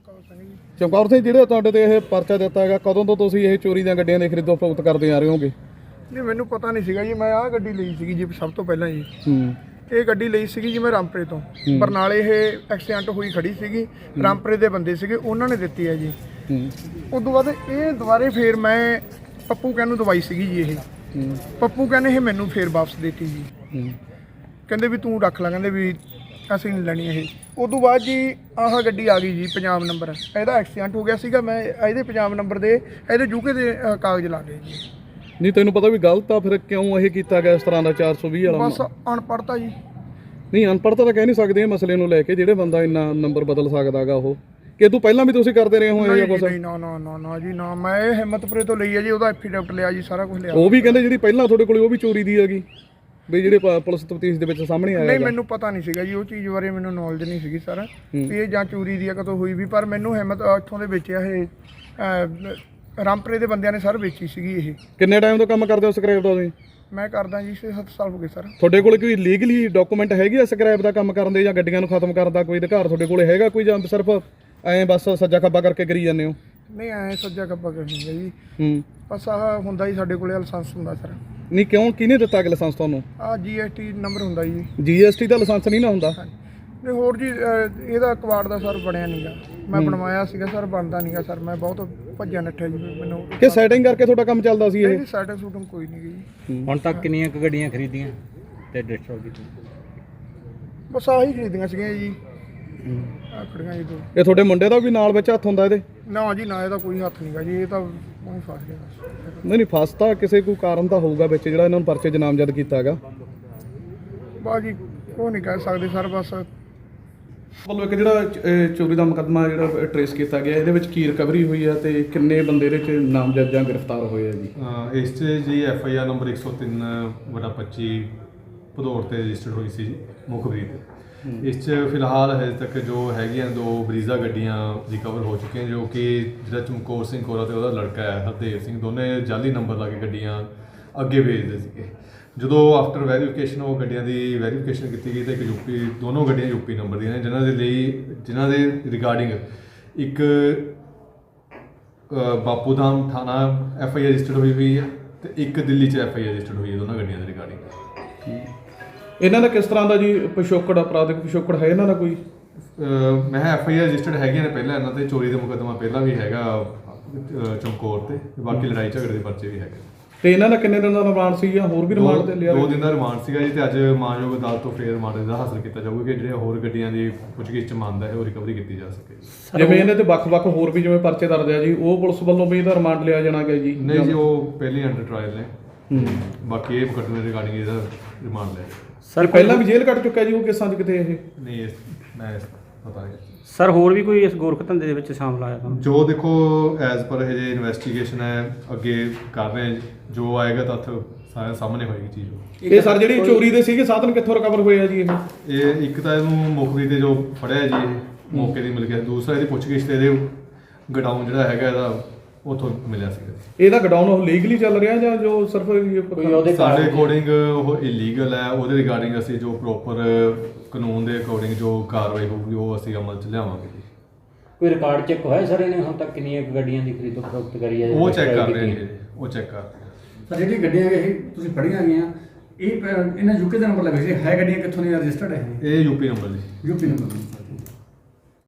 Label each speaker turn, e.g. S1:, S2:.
S1: ਚਮਕੌਰ ਸਿੰਘ, ਜਿਹੜੇ ਤੁਹਾਡੇ ਤੇ ਇਹ ਪਰਚਾ ਦਿੱਤਾ ਹੈਗਾ, ਕਦੋਂ ਤੋਂ ਤੁਸੀਂ ਇਹ ਚੋਰੀ ਦੀਆਂ ਗੱਡੀਆਂ ਦੇ ਖਰੀਦੋ ਫਰੋਖਤ ਕਰਦੇ ਆ ਰਹੇ ਹੋਗੇ?
S2: ਨਹੀਂ, ਮੈਨੂੰ ਪਤਾ ਨਹੀਂ ਸੀਗਾ ਜੀ। ਮੈਂ ਆਹ ਗੱਡੀ ਲਈ ਸੀਗੀ ਜੀ ਸਭ ਤੋਂ ਪਹਿਲਾਂ ਜੀ।
S1: ਹੂੰ।
S2: ਇਹ ਗੱਡੀ ਲਈ ਸੀਗੀ ਜੀ ਮੈਂ ਰਾਮਪੁਰੇ ਤੋਂ। ਬਰਨਾਲੇ ਇਹ ਐਕਸੀਡੈਂਟ ਹੋਈ ਖੜੀ ਸੀਗੀ, ਰਾਮਪੁਰੇ ਦੇ ਬੰਦੇ ਸੀਗੇ, ਉਹਨਾਂ ਨੇ ਦਿੱਤੀ ਹੈ ਜੀ। ਉਸ ਤੋਂ ਬਾਅਦ ਇਹ ਦੁਬਾਰੇ ਫੇਰ ਮੈਂ ਪੱਪੂ ਕਹਿਣ ਨੂੰ ਦਵਾਈ ਸੀਗੀ ਜੀ। ਇਹ ਪੱਪੂ ਕਹਿੰਦੇ ਇਹ ਮੈਨੂੰ ਫੇਰ ਵਾਪਸ ਦੇਤੀ ਜੀ। ਕਹਿੰਦੇ ਵੀ ਤੂੰ ਰੱਖ ਲੈ, ਕਹਿੰਦੇ ਵੀ ਅਸੀਂ ਨਹੀਂ ਲੈਣੀ ਇਹ। ਉਸ ਤੋਂ ਬਾਅਦ ਜੀ ਆਹ ਗੱਡੀ ਆ ਗਈ ਜੀ, ਪੰਜਾਬ ਨੰਬਰ। ਇਹਦਾ ਐਕਸੀਡੈਂਟ ਹੋ ਗਿਆ ਸੀਗਾ, ਮੈਂ ਇਹਦੇ ਪੰਜਾਬ ਨੰਬਰ ਦੇ ਇਹਦੇ ਯੂਕੇ ਦੇ ਕਾਗਜ਼ ਲਾ ਲਏ ਜੀ।
S1: ਨਹੀਂ, ਤੈਨੂੰ ਪਤਾ ਵੀ ਗਲਤ ਆ, ਫਿਰ ਕਿਉਂ ਇਹ ਕੀਤਾ ਗਿਆ ਇਸ ਤਰ੍ਹਾਂ ਦਾ 420 ਵਾਲਾ?
S2: ਬਸ ਅਨਪੜ੍ਹਤਾ ਜੀ।
S1: ਨਹੀਂ, ਅਨਪੜ੍ਹਤਾ ਤਾਂ ਕਹਿ ਨਹੀਂ ਸਕਦੇ ਇਹ ਮਸਲੇ ਨੂੰ ਲੈ ਕੇ, ਜਿਹੜੇ ਬੰਦਾ ਇੰਨਾ ਨੰਬਰ ਬਦਲ ਸਕਦਾ ਗਾ ਉਹ। ਕਿ ਤੂੰ ਪਹਿਲਾਂ ਵੀ ਤੁਸੀਂ ਕਰਦੇ ਰਹੇ ਹੋ ਇਹ ਜਾਂ ਕੁਛ?
S2: ਨਹੀਂ, ਨਾ ਨਾ ਨਾ ਨਾ ਜੀ ਨਾ। ਮੈਂ ਇਹ ਹਿੰਮਤਪੁਰੇ ਤੋਂ ਲਈ ਹੈ ਜੀ, ਉਹਦਾ ਐਫੀਡੈਵਿਟ ਲਿਆ ਜੀ, ਸਾਰਾ ਕੁਝ ਲਿਆ।
S1: ਉਹ ਵੀ ਕਹਿੰਦੇ ਜਿਹੜੀ ਪਹਿਲਾਂ ਤੁਹਾਡੇ ਕੋਲ ਉਹ ਵੀ ਚੋਰੀ ਦੀ ਹੈਗੀ, ਵੀ ਜਿਹੜੇ ਪੁਲਿਸ ਤਫਤੀਸ਼ ਦੇ ਵਿੱਚ ਸਾਹਮਣੇ ਆਇਆ?
S2: ਨਹੀਂ, ਮੈਨੂੰ ਪਤਾ ਨਹੀਂ ਸੀਗਾ ਜੀ, ਉਹ ਚੀਜ਼ ਬਾਰੇ ਮੈਨੂੰ ਨੌਲੇਜ ਨਹੀਂ ਸੀਗੀ ਸਾਰਾ ਵੀ ਇਹ ਜਾਂ ਚੋਰੀ ਦੀ ਆ ਕਦੋਂ ਹੋਈ ਵੀ। ਪਰ ਮੈਨੂੰ ਹਿੰਮਤ ਇੱਥੋਂ ਦੇ ਵੇਚਿਆ ਇਹ ਰਾਮਪੁਰੇ ਦੇ ਬੰਦਿਆਂ ਨੇ ਸਰ ਵੇਚੀ ਸੀਗੀ ਇਹ।
S1: ਕਿੰਨੇ ਟਾਈਮ ਤੋਂ ਕੰਮ ਕਰਦੇ ਹੋ ਸਕ੍ਰੈਪ ਦਾ ਤੁਸੀਂ?
S2: ਮੈਂ ਕਰਦਾ ਜੀ 6-7 ਸਾਲ ਹੋ ਗਏ ਸਰ।
S1: ਤੁਹਾਡੇ ਕੋਲ ਕੋਈ ਲੀਗਲੀ ਡਾਕੂਮੈਂਟ ਹੈਗੀ ਆ ਸਕ੍ਰੈਪ ਦਾ ਕੰਮ ਕਰਨ ਦੇ, ਜਾਂ ਗੱਡੀਆਂ ਨੂੰ ਖਤਮ ਕਰਨ ਦਾ ਕੋਈ ਅਧਿਕਾਰ ਤੁਹਾਡੇ ਕੋਲ ਹੈਗਾ ਕੋਈ, ਜਾਂ ਸਿਰਫ ਐਂ ਬਸ ਸੱਜਾ ਖੱਬਾ ਕਰਕੇ ਕਰੀ ਜਾਂਦੇ ਹੋ?
S2: ਨਹੀਂ, ਐਂ ਸੱਜਾ ਖੱਬਾ ਕਰਨੀ ਹੈ ਜੀ। ਬਸ ਆਹ ਹੁੰਦਾ ਜੀ ਸਾਡੇ ਕੋਲੇ ਲਾਇਸੈਂਸ ਹੁੰਦਾ ਸਰ।
S1: ਨਹੀਂ, ਕਿਉਂ, ਕਿਹਨੇ ਦਿੱਤਾ ਕਿ ਲਾਇਸੈਂਸ ਤੁਹਾਨੂੰ?
S2: ਆਹ GST ਨੰਬਰ ਹੁੰਦਾ ਜੀ।
S1: GST ਦਾ ਲਾਇਸੈਂਸ ਨਹੀਂ ਨਾ ਹੁੰਦਾ?
S2: ਨਹੀਂ, ਹੋਰ ਜੀ ਇਹਦਾ ਕਵਾੜ ਦਾ ਸਰ ਬਣਿਆ ਨਹੀਂਗਾ। ਮੈਂ ਬਣਵਾਇਆ ਸੀਗਾ ਸਰ, ਬਣਦਾ ਨਹੀਂਗਾ ਸਰ। ਮੈਂ ਬਹੁਤ ਭੱਜਿਆ ਨੱਠਿਆ ਜੀ, ਮੈਨੂੰ
S1: ਕਿ ਸੈਟਿੰਗ ਕਰਕੇ ਤੁਹਾਡਾ ਕੰਮ ਚੱਲਦਾ ਸੀ ਇਹ?
S2: ਨਹੀਂ, ਸੈਟਿੰਗ ਸ਼ੂਟਿੰਗ ਕੋਈ ਨਹੀਂ ਗਈ।
S3: ਹੁਣ ਤੱਕ ਕਿੰਨੀਆਂ ਕੁ ਗੱਡੀਆਂ ਖਰੀਦੀਆਂ ਤੇ ਡਿਸਟ੍ਰੋਏ ਕੀਤੀਆਂ?
S2: ਬਸ ਆਹੀ ਖਰੀਦੀਆਂ ਸੀਗੀਆਂ ਜੀ। ਆਹ ਖੜੀਆਂ ਜੀ ਦੋ।
S1: ਇਹ ਤੁਹਾਡੇ ਮੁੰਡੇ ਦਾ ਵੀ ਨਾਲ ਵਿੱਚ ਹੱਥ ਹੁੰਦਾ ਇਹਦੇ?
S2: ਨਾ ਜੀ ਨਾ, ਇਹਦਾ ਕੋਈ ਹੱਥ ਨਹੀਂਗਾ ਜੀ। ਇਹ ਤਾਂ ਉਹ ਫਸ ਗਿਆ ਬਸ।
S1: ਨਹੀਂ, ਫਸਤਾ ਕਿਸੇ ਕੋਈ ਕਾਰਨ ਤਾਂ ਹੋਊਗਾ ਵਿੱਚ ਜਿਹੜਾ ਇਹਨਾਂ ਨੂੰ ਪਰਚੇ 'ਚ ਨਾਮਜ਼ਦ ਕੀਤਾ ਹੈਗਾ।
S2: ਬਸ ਜੀ ਉਹ ਨਹੀਂ ਕਹਿ ਸਕਦੇ ਸਰ। ਬਸ
S1: ਵੱਲੋਂ ਇੱਕ ਜਿਹੜਾ ਚੋਰੀ ਦਾ ਮੁਕੱਦਮਾ ਜਿਹੜਾ ਟਰੇਸ ਕੀਤਾ ਗਿਆ, ਇਹਦੇ ਵਿੱਚ ਕੀ ਰਿਕਵਰੀ ਹੋਈ ਹੈ ਤੇ ਕਿੰਨੇ ਬੰਦੇ ਇਹਦੇ 'ਚ ਨਾਮਜ਼ਦ ਜਾਂ ਗ੍ਰਿਫਤਾਰ ਹੋਏ ਆ ਜੀ?
S4: ਇਸ 'ਚ ਜੀ FIR ਨੰਬਰ 103/25 ਭਦੌੜ 'ਤੇ ਰਜਿਸਟਰਡ ਹੋਈ ਸੀ ਜੀ, ਮੁਖਬਰੀ 'ਤੇ। ਇਸ 'ਚ ਫਿਲਹਾਲ ਹਜੇ ਤੱਕ ਜੋ ਹੈਗੀਆਂ 2 ਬਰੀਜ਼ਾ ਗੱਡੀਆਂ ਰਿਕਵਰ ਹੋ ਚੁੱਕੀਆਂ, ਜੋ ਕਿ ਜਿਹੜਾ ਚਮਕੌਰ ਸਿੰਘ ਕੋਰਾ ਤੇ ਉਹਦਾ ਲੜਕਾ ਹੈ ਹਰਦੇਵ ਸਿੰਘ, ਦੋਨੇ ਜਾਲੀ ਨੰਬਰ ਲਾ ਕੇ ਗੱਡੀਆਂ ਅੱਗੇ ਭੇਜਦੇ ਸੀਗੇ। ਜਦੋਂ ਆਫਟਰ ਵੈਰੀਫਿਕੇਸ਼ਨ ਉਹ ਗੱਡੀਆਂ ਦੀ ਵੈਰੀਫਿਕੇਸ਼ਨ ਕੀਤੀ ਗਈ ਤਾਂ ਇੱਕ ਦੋਨੋਂ ਗੱਡੀਆਂ ਯੂਪੀ ਨੰਬਰ ਦੀਆਂ ਨੇ, ਜਿਨ੍ਹਾਂ ਦੇ ਰਿਗਾਰਡਿੰਗ ਇੱਕ ਬਾਪੂ ਧਾਮ ਥਾਣਾ FIR ਰਜਿਸਟਰਡ ਹੋਈ ਹੈ ਤੇ ਇੱਕ ਦਿੱਲੀ 'ਚ FIR ਰਜਿਸਟਰਡ ਹੋਈ ਹੈ, ਦੋਨਾਂ ਗੱਡੀਆਂ ਦੇ ਰਿਗਾਰਡਿੰਗ।
S1: ਇਹਨਾਂ ਦਾ ਕਿਸ ਤਰ੍ਹਾਂ ਦਾ ਜੀ ਪਿਛੋਕੜ, ਅਪਰਾਧਿਕ ਪਿਛੋਕੜ ਹੈ ਇਹਨਾਂ ਦਾ ਕੋਈ?
S4: ਮੈਂ FIR ਰਜਿਸਟਰਡ ਹੈਗੀਆਂ ਨੇ ਪਹਿਲਾਂ ਇਹਨਾਂ 'ਤੇ, ਚੋਰੀ ਦਾ ਮੁਕੱਦਮਾ ਪਹਿਲਾਂ ਵੀ ਹੈਗਾ ਚਮਕੌਰ 'ਤੇ, ਬਾਕੀ ਲੜਾਈ ਝਗੜੇ ਦੇ ਪਰਚੇ ਵੀ ਹੈਗੇ।
S1: ਤੇ ਇਹਨਾਂ ਦਾ ਕਿੰਨੇ ਦਿਨ ਦਾ ਰਿਮਾਂਡ ਸੀ ਜਾਂ ਹੋਰ ਵੀ ਰਿਮਾਂਡ ਤੇ ਲਿਆ?
S4: 2 ਦਿਨ ਦਾ ਰਿਮਾਂਡ ਸੀਗਾ ਜੀ, ਤੇ ਅੱਜ ਮਾਨਯੋਗ ਅਦਾਲਤ ਤੋਂ ਫੇਰ ਰਿਮਾਂਡ ਦਾ ਹਾਸਲ ਕੀਤਾ ਜਾਊਗਾ ਕਿ ਜਿਹੜੇ ਹੋਰ ਗੱਡੀਆਂ ਦੀ ਪੁੱਛਗਿੱਛ 'ਚ ਮੰਨਦਾ ਹੈ ਉਹ ਰਿਕਵਰੀ ਕੀਤੀ ਜਾ ਸਕੇ।
S1: ਜਿਵੇਂ ਇਹਨਾਂ ਤੇ ਵੱਖ-ਵੱਖ ਹੋਰ ਵੀ ਜਿਵੇਂ ਪਰਚੇ ਦਰਜ ਆ ਜੀ, ਉਹ ਪੁਲਿਸ ਵੱਲੋਂ ਵੀ ਇਹਦਾ ਰਿਮਾਂਡ ਲਿਆ ਜਾਣਾ ਗਿਆ ਜੀ?
S4: ਨਹੀਂ ਜੀ, ਉਹ ਪਹਿਲੇ ਅੰਡਰ ਟ੍ਰਾਇਲ ਨੇ। ਬਾਕੀ ਇਹ ਮੁਕੱਦਮੇ ਰਿਗਾਰਡਿੰਗ ਇਹਦਾ ਰਿਮਾਂਡ ਲਿਆ
S1: ਸਰ। ਪਹਿਲਾਂ ਵੀ ਜੇਲ੍ਹ ਕੱਟ ਚੁੱਕਿਆ ਜੀ ਉਹ ਕਿਸਾਂ 'ਚ ਕਿਤੇ? ਇਹ
S4: ਨਹੀਂ, ਮੈਂ ਪਤਾ ਨਹੀਂ
S3: ਸਰ। ਹੋਰ ਵੀ ਕੋਈ ਇਸ ਗੋਰਖ ਧੰਦੇ ਦੇ ਵਿੱਚ ਸ਼ਾਮਲ ਆਇਆ ਤਾਂ?
S4: ਜੋ ਦੇਖੋ ਐਜ਼ ਪਰ ਇਹ ਜੇ ਇਨਵੈਸਟੀਗੇਸ਼ਨ ਹੈ, ਅੱਗੇ ਕਰ ਰਹੇ ਹਾਂ, ਜੋ ਆਏਗਾ ਤੱਥ ਸਾਰੇ ਸਾਹਮਣੇ ਹੋਏਗੀ ਚੀਜ਼।
S1: ਇਹ ਸਰ ਜਿਹੜੀ ਚੋਰੀ ਦੇ ਸੀਗੇ ਸਾਧਨ ਕਿੱਥੋਂ ਰਿਕਵਰ ਹੋਏ ਆ ਜੀ
S4: ਇਹ ਇੱਕ ਤਾਂ ਇਹਨੂੰ ਮੁਖਬਰੀ ਤੇ ਜੋ ਫੜਿਆ ਜੀ ਇਹ ਮੌਕੇ ਦੀ ਮਿਲ ਗਿਆ, ਦੂਸਰਾ ਇਹਦੀ ਪੁੱਛਗਿੱਛ ਤੇ ਇਹਦੇ ਗਡਾਊਨ ਜਿਹੜਾ ਹੈਗਾ ਇਹਦਾ ਉੱਥੋਂ ਮਿਲਿਆ ਸੀਗਾ।
S1: ਇਹਦਾ ਗਡਾਊਨ ਉਹ ਲੀਗਲੀ ਚੱਲ ਰਿਹਾ ਜਾਂ ਜੋ ਸਿਰਫ
S4: ਸਾਡੇ ਅਕੋਰਡਿੰਗ ਉਹ ਇਲੀਗਲ ਹੈ? ਉਹਦੇ ਰਿਗਾਰਡਿੰਗ ਅਸੀਂ ਜੋ ਪ੍ਰੋਪਰ ਕਾਨੂੰਨ ਦੇ ਅਕੋਰਡਿੰਗ ਜੋ ਕਾਰਵਾਈ ਹੋਊਗੀ ਉਹ ਅਸੀਂ ਅਮਲ 'ਚ ਲਿਆਵਾਂਗੇ ਜੀ।
S3: ਕੋਈ ਰਿਕਾਰਡ ਚੈੱਕ ਹੋਇਆ ਸਰ ਇਹਨੇ ਹੁਣ ਤੱਕ ਕਿੰਨੀਆਂ ਗੱਡੀਆਂ ਦੀ ਖਰੀਦੋ ਫਰੋਖਤ ਕਰੀ ਹੈ?
S4: ਉਹ ਚੈੱਕ ਕਰ ਰਹੇ ਨੇ, ਉਹ ਚੈੱਕ ਕਰ ਰਹੇ ਨੇ।
S5: ਸਰ ਜਿਹੜੀ ਗੱਡੀਆਂ ਇਹ ਤੁਸੀਂ ਫੜੀਆਂ ਗਈਆਂ, ਇਹ ਇਹਨਾਂ ਯੂਕੇ ਦਾ ਨੰਬਰ ਲੱਗੇ ਸੀ, ਹੈ ਗੱਡੀਆਂ ਕਿੱਥੋਂ ਦੀਆਂ ਰਜਿਸਟਰਡ ਹੈ?
S4: ਇਹ ਯੂਪੀ ਨੰਬਰ ਜੀ।
S5: UP number.